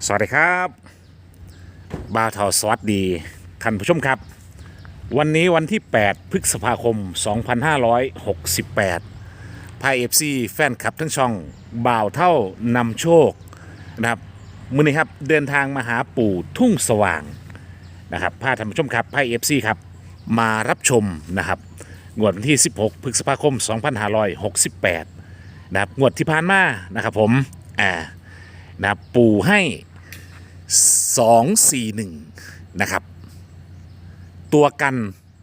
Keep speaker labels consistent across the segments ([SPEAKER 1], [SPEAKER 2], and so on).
[SPEAKER 1] สวัสดีครับบ่าวเทาสวัสดีท่านผู้ชมครับวันนี้วันที่8พฤษภาคม2568พายเอฟซีแฟนคลับทั้งช่องบ่าวเท่านำโชคนะครับมื้อนี้ครับเดินทางมาหาปู่ทุ่งสว่างนะครับพาท่านผู้ชมครับพายเอฟซีครับมารับชมนะครับงวดวันที่16พฤษภาคม2568นะครับงวดที่ผ่านมานะครับผมนะครับปู่ให้241นะครับตัวกัน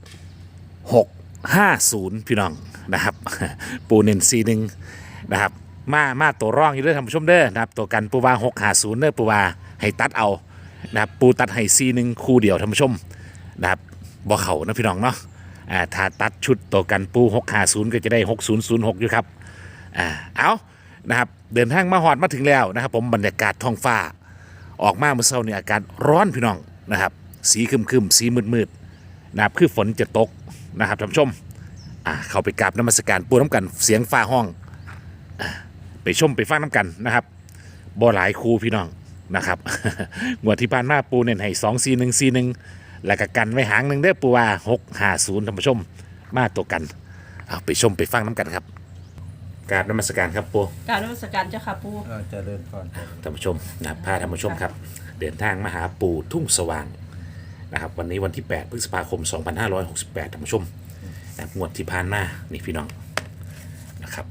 [SPEAKER 1] 650พี่น้องนะครับปูเน้น41นะครับมาตัวร่องอยู่ด้วยท่านผู้ชมเด้อนะครับตัวกันปูวา650เด้อปูวาให้ตัดเอานะครับปูตัดให้41คู่เดียวท่านผู้ชมนะครับบ่เข่านะพี่น้องเนาะถ้าตัดชุดตัวกันปู650ก็จะได้6006อยู่ครับเอานะครับเดินทางมาฮอดมาถึงแล้วนะครับผมบรรยากาศท้องฟ้าออกมาเมื่อเช้าเนี่ยอากาศร้อนพี่น้องนะครับสีครึมๆสีมืดๆนะครับคือฝนจะตกนะครับท่านผู้ชมเข้าไปกราบนมัสการปูน้ำกันเสียงฟ้าห้องไปชมไปฟังน้ำกันนะครับบ่หลายครูพี่น้องนะครับ งวดที่ผ่านมาปูเน้นให้24141แล้วก็กันไว้หางหนึ่งเด้อปูว่า650ท่านผู้ชมมาตัวกันเอาไปชมไปฟังน้ำกันครับกราบนมัสการครับปู
[SPEAKER 2] การนมัสการเจ้าค่ะปู่
[SPEAKER 3] เจริญพร
[SPEAKER 1] ท่านผู้ชมนะครับพาท่านผู้ชมครับเดินทางมาหาปู่ทุ่งสว่างนะครับวันนี้วันที่8พฤษภาคม2568ท่านผู้ชมนะครับงวดที่ผ่านมานี่พี่น้องนะครับ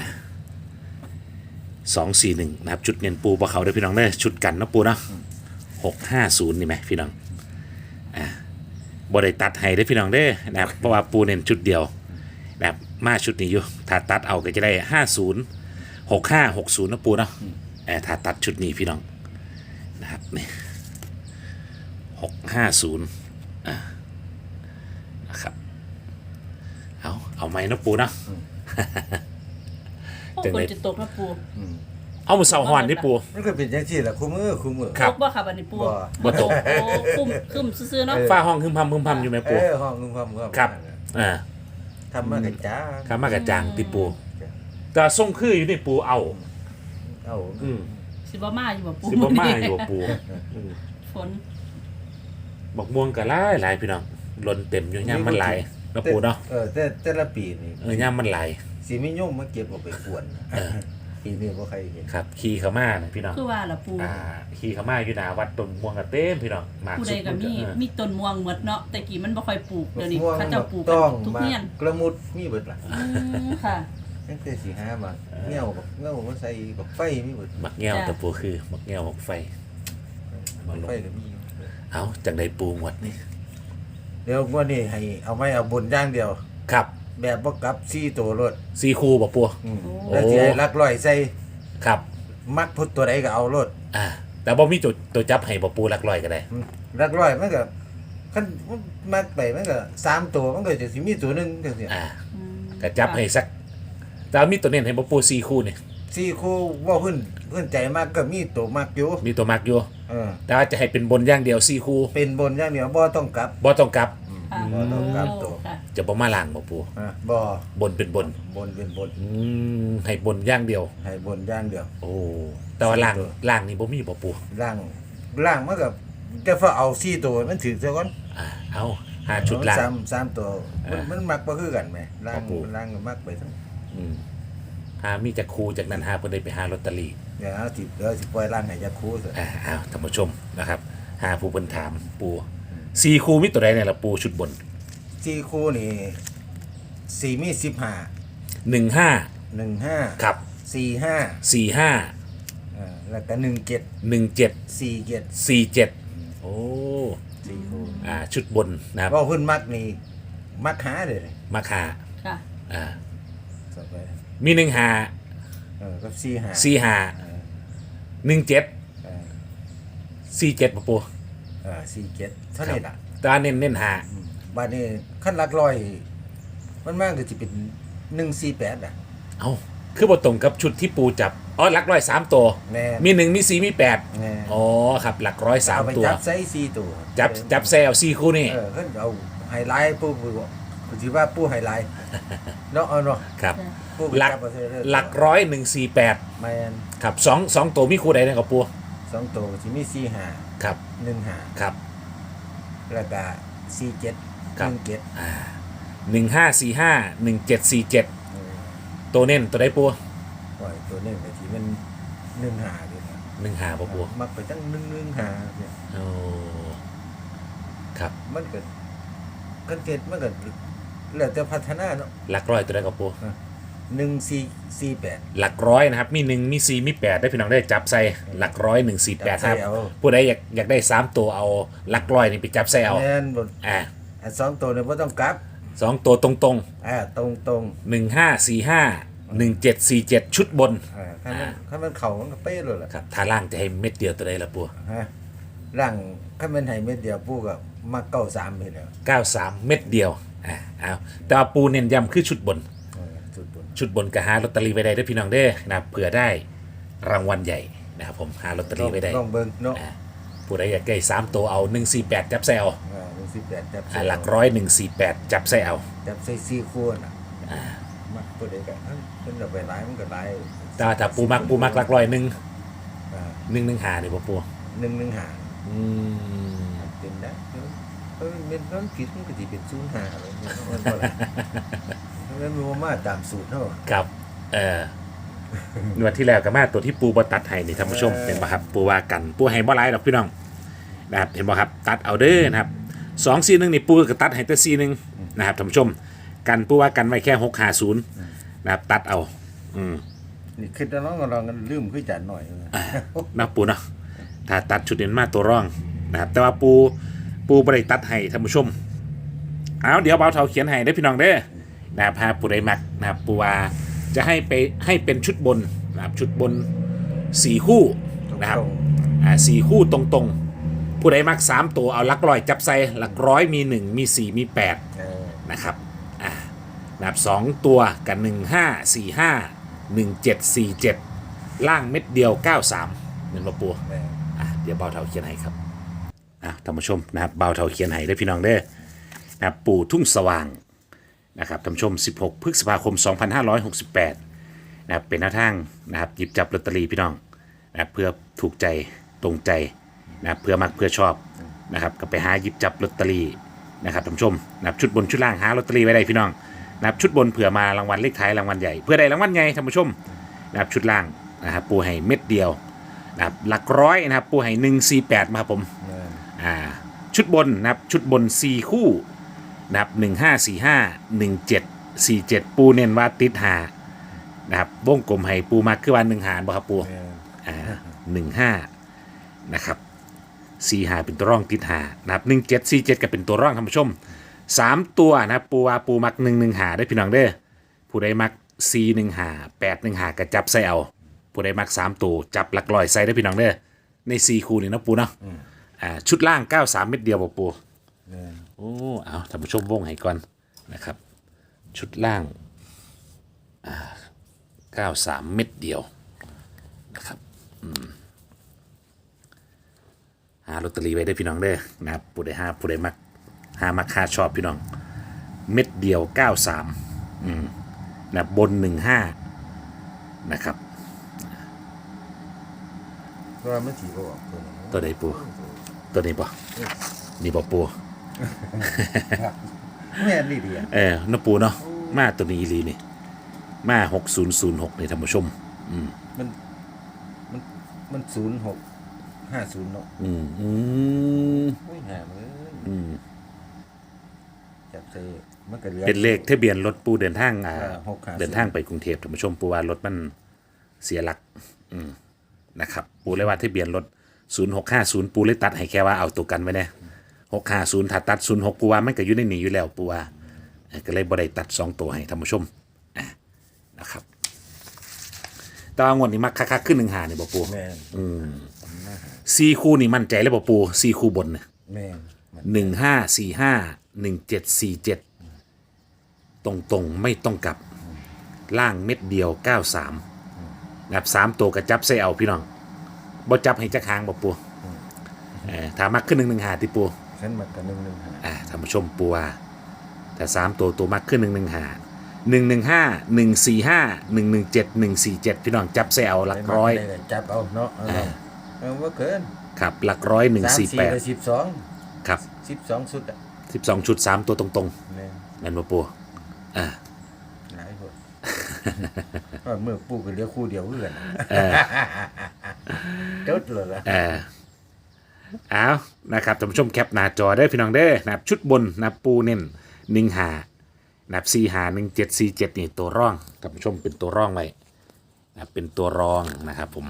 [SPEAKER 1] 241นะครับจุดเน้นปูบ่เขาได้อพี่น้องเด้อชุดกันเนาะปูเนาะ650นี่ไหมพี่น้องบ่ได้ตัดให้ได้อพี่น้องเด้อนะครับเพราะว่าปูเน้นชุดเดียวนะครับมาชุดนี้อยู่ถ้าตัดเอาก็จะได้50 6560นะปูเนาะถ้าตัดชุดนี้พี่น้องนะครับนี่650นะครับเอาไหมนะปูเนาะ
[SPEAKER 2] โอ้
[SPEAKER 1] จัง
[SPEAKER 2] ฝน
[SPEAKER 1] เลย
[SPEAKER 2] จะตกนะปู่
[SPEAKER 1] เอามือเสาหอนนี่ปู
[SPEAKER 3] มันก็เป็นอย่างที่แหละคู่มือ
[SPEAKER 1] ครั
[SPEAKER 2] ต
[SPEAKER 1] บ
[SPEAKER 2] กบ่ค่ะบัดนี้ปู่
[SPEAKER 3] บ่
[SPEAKER 1] บ่ตก
[SPEAKER 2] โอ้คุ้มซื่อๆเนาะ
[SPEAKER 1] ฟ้าห้องคึมพำอยู่ไหมปู
[SPEAKER 3] ห้องนึงความ
[SPEAKER 1] ครับอ่า
[SPEAKER 3] ทำมากระจ้า
[SPEAKER 1] ข้ามากระจางติปูแต่ทรงคืออยู่ในปูเอา
[SPEAKER 3] เอา
[SPEAKER 2] สิบ่มาอยู่บ่ปู่
[SPEAKER 1] สิบ่มาอยู่ปู
[SPEAKER 2] ฝน
[SPEAKER 1] บักม่วงก็หลายพี่น้องล้นเต็มอยู่ย่ามมันหลายนะปูเนาะ
[SPEAKER 3] แต่ละปีนี่
[SPEAKER 1] ย่ามมันหลาย
[SPEAKER 3] สิไม่ยุ่งมาเก็บเอาไปกวนปีนี้บ่ใครเห็น
[SPEAKER 1] ครับขี่เขามานะพี่น้อง
[SPEAKER 2] คือว่าล่ะปู่
[SPEAKER 1] ขี่เขามาอยู่หน้าวัดต้นม่วงกระเต้มพี่น้องมาก
[SPEAKER 2] ผู้
[SPEAKER 1] สุ
[SPEAKER 2] ใด
[SPEAKER 1] ด
[SPEAKER 2] ก็มีต้นม่วงหมดเนาะแต่กี้มันบ่ค่อยปลูกเดี๋ยวนี้
[SPEAKER 3] ม่วง
[SPEAKER 2] เขาเจ้าปลูกกั
[SPEAKER 3] ต้อง
[SPEAKER 2] นทุก
[SPEAKER 3] มา
[SPEAKER 2] เฮียน
[SPEAKER 3] กระมุดมีเบิดล่ะ
[SPEAKER 2] ค่ะ
[SPEAKER 3] ตั้งแต่สิหามาเงี้ยวมาใส่บักไฟมีเบิด
[SPEAKER 1] มักแง่วแต่ปูคือมักแง่วมักไฟ
[SPEAKER 3] บักไฟก็มี
[SPEAKER 1] เอาจากใดปูหมดนี่
[SPEAKER 3] เดี๋ยวงวดนี้ให้เอาไม้เอาบนอย่างเดียว
[SPEAKER 1] ครับ
[SPEAKER 3] แบบบ่กลับ4ตัวรถ
[SPEAKER 1] ซีคูบ่ปู
[SPEAKER 3] แล้วสิให้ลักร้อยใส่
[SPEAKER 1] ครับ
[SPEAKER 3] มักพุทธตัวใดก็เอารถ
[SPEAKER 1] แต่บ่มีตัวจับให้บ่ปูหลักร้อยก็ได้
[SPEAKER 3] ลักร้อยมันก็คันมักไปมันก็3ตัวมันก็จะสิมีตัวหนึงจังซี่
[SPEAKER 1] ก็จับให้สักแต่ว่ามีตัวเน้นให้บ่ปูซีคูนี่
[SPEAKER 3] 4คู่ว่าเพิ่นใจมากก็มีตัวมักอยู่
[SPEAKER 1] มีตัวมักอยู่ แต่ว่าจะให้เป็นบนอย่างเดียวซีคู
[SPEAKER 3] เป็นบนอย่างเดียวบ่ต้องกลับ
[SPEAKER 1] บ่ต้องกลับ
[SPEAKER 3] บ่ต้องกลับตัว
[SPEAKER 2] ค่ะ
[SPEAKER 1] จะบ่มาล่างบ่ปู
[SPEAKER 3] บ่
[SPEAKER 1] บนเป็นบน
[SPEAKER 3] บนเป็นบน
[SPEAKER 1] ให้บนอย่างเดียว
[SPEAKER 3] ให้บนอย่างเดียว
[SPEAKER 1] โอ้แต่ว่าล่างนี่บ่มีบ่ปู
[SPEAKER 3] ล่างมันก็จะพอเอา4ตัวมันถึงซะก่อน
[SPEAKER 1] เอาหาชุดล่าง
[SPEAKER 3] 3ตัวมันมักบ่คือกันแหมล่าง
[SPEAKER 1] ครับผม
[SPEAKER 3] ล่างก็มักไปทั้ง
[SPEAKER 1] หามีจากครูจากนั้นหาเพิ่นได้ไปหาลอตเตอรี่
[SPEAKER 3] เดี๋ยวสิปล่อยล่างให้จักคู่ซะ
[SPEAKER 1] เอาท่านผู้ชมนะครับ หาผู้เพิ่นถามปูซีคูมีตัวใดเนี่ยล่ะปูชุดบน
[SPEAKER 3] 4คู่นี่4มี15
[SPEAKER 1] 15
[SPEAKER 3] 15
[SPEAKER 1] ครับ
[SPEAKER 3] 45
[SPEAKER 1] 45
[SPEAKER 3] แล้วก็17
[SPEAKER 1] 17
[SPEAKER 3] 47
[SPEAKER 1] 47โอ้
[SPEAKER 3] 4คู่
[SPEAKER 1] ชุดบนนะครับ
[SPEAKER 3] ว่าเพิ่นมักนี่มักหาเลย
[SPEAKER 1] มาคา
[SPEAKER 2] ค่ะ
[SPEAKER 3] สับไป
[SPEAKER 1] มี1 5
[SPEAKER 3] กับ4หา
[SPEAKER 1] 4 5 17 47ปู
[SPEAKER 3] 47เท่านี้ล่ะ
[SPEAKER 1] ตาเน้นหา
[SPEAKER 3] บัดนี้ขั้นหลักร้อยมันมากก็สิเป็น148อ่ะ
[SPEAKER 1] เอ้าคือบ่ตรงกับชุดที่ปูจับอ๋อหลักร้อย3ตัว
[SPEAKER 3] แน่
[SPEAKER 1] มี1มี4มี8
[SPEAKER 3] แน่
[SPEAKER 1] อ๋อครับหลักร้อย
[SPEAKER 3] เอาไป
[SPEAKER 1] 3ตัว
[SPEAKER 3] จับใส่4ตัว
[SPEAKER 1] จับแซล4คู่นี่
[SPEAKER 3] เพิ่นเอาไฮไลท์ปูสิว่าปูไฮไลท์เนาะเอาเนาะ
[SPEAKER 1] ครับ
[SPEAKER 3] ปูไป
[SPEAKER 1] หลัก
[SPEAKER 3] จับเอาใส่เลย
[SPEAKER 1] หลักร้อย148
[SPEAKER 3] แม่น
[SPEAKER 1] ครับ2ตัวมีคู่ใดเนี่ยกับปู
[SPEAKER 3] 2ตัวสิมี4 5
[SPEAKER 1] ครับ
[SPEAKER 3] 1 5
[SPEAKER 1] ครับ
[SPEAKER 3] แล้วก็4 7
[SPEAKER 1] ครับ
[SPEAKER 3] 1 7
[SPEAKER 1] 15451747ตัวเน้นตัวใดปู
[SPEAKER 3] ปล่อยตัวนี้ไปที่มัน1 5นี่นะ
[SPEAKER 1] 15บ่ปู
[SPEAKER 3] มักไปตั้ง1 5เนี่ย
[SPEAKER 1] โอ้ครับ
[SPEAKER 3] มันก็กันเกิดมันก็แล้วแต่พัฒนาเนาะ
[SPEAKER 1] หลักร้อยตัวใดกับปู
[SPEAKER 3] 1448
[SPEAKER 1] หลักร้อยนะครับมี1มี4มี8ได้พี่น้องได้จับใส่หลักร้อย148ครับ
[SPEAKER 3] จับใส่เอา
[SPEAKER 1] ผู้ใดอยากได้3ตัวเอาหลักร้อยนี่ไปจับใส่เอา
[SPEAKER 3] แม่นบ่
[SPEAKER 1] อ่า
[SPEAKER 3] อัน2ตัวเนี่ยบ่ต้องกลับ
[SPEAKER 1] 2ตัวตรง
[SPEAKER 3] ตรง
[SPEAKER 1] 15451747ชุดบน
[SPEAKER 3] คันมันเข้ามันก็เป๊ะเลยล่ะ
[SPEAKER 1] ครับถ้าล่างจะให้เม็ดเดียวตัวใดละปู
[SPEAKER 3] ฮะร่างคันมันให้เม็ดเดียวปูก็มัก93เฮ็ดแล้ว
[SPEAKER 1] 93 เม็ดเดียวเอาแต่ว่าปูเน้นย้ำคือชุดบน
[SPEAKER 3] สุดบน
[SPEAKER 1] ชุดบนก็หาลอตเตอรี่ไปได้ด้วยพี่น้องเด้อนะครับเผื่อได้รางวัลใหญ่นะครับผมหาลอตเตอรี่ไปได้
[SPEAKER 3] ต้องเบิ่งเนาะ
[SPEAKER 1] ผู้ใดอยากได้3ตัวเอา148จับใส่เอา
[SPEAKER 3] 18จับ
[SPEAKER 1] หลักร้อย148จับใส่เอา
[SPEAKER 3] จับใส่4คู่น่ะมักตัวใดก็เพิ่นเอาไปหลายมันก็หลาย
[SPEAKER 1] แต่ว่าถ้าปูมักหลักร้อย1
[SPEAKER 3] อ่า
[SPEAKER 1] 115นี่บ่ปู
[SPEAKER 3] 115
[SPEAKER 1] อืม
[SPEAKER 3] เป็นนะเป็นมันผิดมันก็สิเป็น05เลยมันบ่ล่ะมันบ่มาตามสูตรเฮา
[SPEAKER 1] ครับงวดที่แล้วก็มาตัวที่ปูบ่ตัดให้นี่ท่านผู้ชมเป็นบ่ครับปูว่ากันปูให้บ่หลายดอกพี่น้องนะครับเห็นบ่ครับตัดเอาเด้อนะครับ241นี่ปูก็ตัดให้แต่41นะครับท่านผู้ชมกันปูว่ากันไว้แค่650นะครับตัดเอา
[SPEAKER 3] นี่คิดแล้วน้องก็ลองกันลืมคือจัดหน่อย
[SPEAKER 1] นะปูเนาะถ้าตัดชุดเด่นมาตัวร่องนะครับแต่ว่าปูบ่ได้ตัดให้ท่านผู้ชมเอาเดี๋ยวเบาเท่าเขียนให้ได้อพี่น้องเด้อนะครับหาผู้ใดมักนะครับปูว่าจะให้เป็นชุดบนนะครับชุดบน4คู่นะครับ4คู่ตรงๆผู้ใดมัก3ตัวเอาหลักร้อยจับใส่หลักร้อยมี1มี4มี8นะครับนะครับ2ตัวกัน15451747ล่างเม็ดเดียว93เหมือนมาปูเดี๋ยวเบาเท่าเขียนให้ครับท่านผู้ชมนะครับเบาเท่าเขียนให้ได้อพี่น้องเด้อนะครับปู่ทุ่งสว่างนะครับท่านผู้ชม16พฤษภาคม2568นะครับเป็นหน้าทางนะครับหยิบจับลอตเตอรี่พี่น้องนะครับเพื่อถูกใจตรงใจนะครับเพื่อมักเพื่อชอบนะครับก็ไปหาหยิบจับลอตเตอรี่นะครับท่านผู้ชมนะครับชุดบนชุดล่างหาลอตเตอรี่ไว้ได้พี่น้องนะครับชุดบนเผื่อมารางวัลเลขท้ายรางวัลใหญ่เพื่อได้รางวัลใหญ่ท่านผู้ชมนะครับชุดล่างนะครับปูให้เม็ดเดียวนะครับหลักร้อยนะครับปูให้148มาครับผมชุดบนนะครับชุดบน4คู่นะครับ15451747ปูเน้นว่าติดหานะครับวงกลมให้ปูมาคือวัน1หารบ่ครับปู15นะครับ45เป็นตัวร่องติดหานะครับ1747ก็เป็นตัวร่องท่านผู้ชม3ตัวนะครับปูว่าปูมัก115ได้พี่น้องเด้อผู้ใดมัก415 815ก็จับใส่เอาผู้ใดมัก3ตัวจับหลักร้อยใส่ได้พี่น้องเด้อใน4คู่นี่นะปูเนาะชุดล่าง93เม็ดเดียวบ่ปูโอ้เอาท่านผู้ชมวงให้ก่อนนะครับชุดล่าง93เม็ดเดียวนะครับหาลอตเตอรี่ไว้ได้พี่น้องเด้อนะครับผู้ใดผู้ใดมักมักค่าชอบพี่น้องเม็ดเดียว93นะบน15นะครับ
[SPEAKER 3] เพราะว่ามันสิบ่ออกตัวนี้
[SPEAKER 1] ตัวใดปูตัวนี้บ่นี่บ่ปู
[SPEAKER 3] แม่นนี่ดีอ่ะ
[SPEAKER 1] น้าปูเนาะมาตัวนี้อีหลีนี่มา6006นี่ท่านผู้ชม
[SPEAKER 3] มัน0650เนาะโอ้ยหามื้อจับใส่มันก็เหลือ
[SPEAKER 1] เป็นเลขทะเบียนรถปูเดินทาง
[SPEAKER 3] 650
[SPEAKER 1] เดินทางไปกรุงเทพท่านผู้ชมปูว่ารถมันเสียหลักนะครับปูเลยว่าทะเบียนรถ0650ปูเลยตัดให้แค่ว่าเอาตัวกันไว้เนี่ย650ถ้าตัด06ปูว่ามันก็อยู่ในนี้อยู่แล้วปูว่าก็เลยบ่ได้ตัด2ตัวให้ท่านผู้ชมนะครับแต่ว่างวดนี้มักคักๆขึ้น1หานี่บ่ปู
[SPEAKER 3] แม่น
[SPEAKER 1] 4คู่นี่มั่นใจเลยบ่ปู4คู่บนเนี่ย
[SPEAKER 3] แม่น
[SPEAKER 1] 154517ตรงๆไม่ต้องกลับล่างเม็ดเดียว93นะครับ3ตัวกระจับใส่เอาพี่น้องบ่จับให้จักหางบ่ปูถ้ามักขึ้น115ติปู
[SPEAKER 3] ฉันมักกัน115
[SPEAKER 1] ท่านผู้ชมปูว่าแต่3ตัวมักขึ้น115 145 117 147พี่น้องจับใส่เอาหลักร้อย
[SPEAKER 3] จับเอาเนาะว่าเกิน
[SPEAKER 1] ครับหลักร้อย
[SPEAKER 3] 3 4
[SPEAKER 1] 148
[SPEAKER 3] และ12
[SPEAKER 1] ครับ
[SPEAKER 3] 12ชุดอ่ะ
[SPEAKER 1] 12 ชุด 3 ตัวตรง
[SPEAKER 3] แม่น
[SPEAKER 1] ๆนั่นบ่ปูอ่า
[SPEAKER 3] หลายคน ว่าเมื่อปู่ก็เหลือคู่เดียวเพื่อนจดเลยล่ะ
[SPEAKER 1] เอานะครับท่านผู้ชมแคปหน้าจอได้พี่น้องเด้อนะครับชุดบนนะครับปูเน้น15นะครับ451747นี่ตัวร่องท่านผู้ชมเป็นตัวร่องไว้นะครับเป็นตัวรองนะครับผม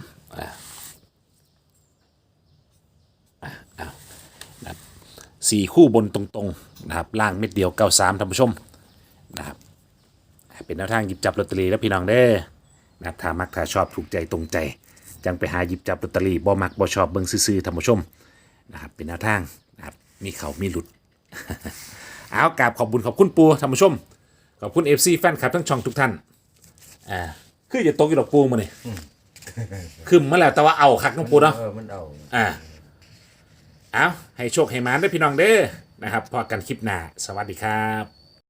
[SPEAKER 1] นะครับ4คู่บนตรงๆนะครับล่างเม็ดเดียว93ท่านผู้ชมนะครับเป็นแนวทางหยิบจับลอตเตอรี่แล้วพี่น้องเด้อนะครับถ้ามักถ้าชอบถูกใจตรงใจจังไปหาหยิบจับลอตเตอรี่บ่มักบ่ชอบเบิ่งซื่อๆท่านผู้ชมนะครับเป็นแนวทางนะครับมีเขามีหลุด เอากราบขอบคุณปูท่านผู้ชมขอบคุณ FC แฟนคลับทั้งช่องทุกท่านคือจะตกอยู่ดอกปูมาเนี่ยขึ้นมาแล้วแต่ว่าเอาคักน้องปูเนาะ
[SPEAKER 3] มันเอา
[SPEAKER 1] เอาให้โชคให้หมานด้วยพี่น้องเด้อนะครับพอกันคลิปหน้าสวัสดีครับ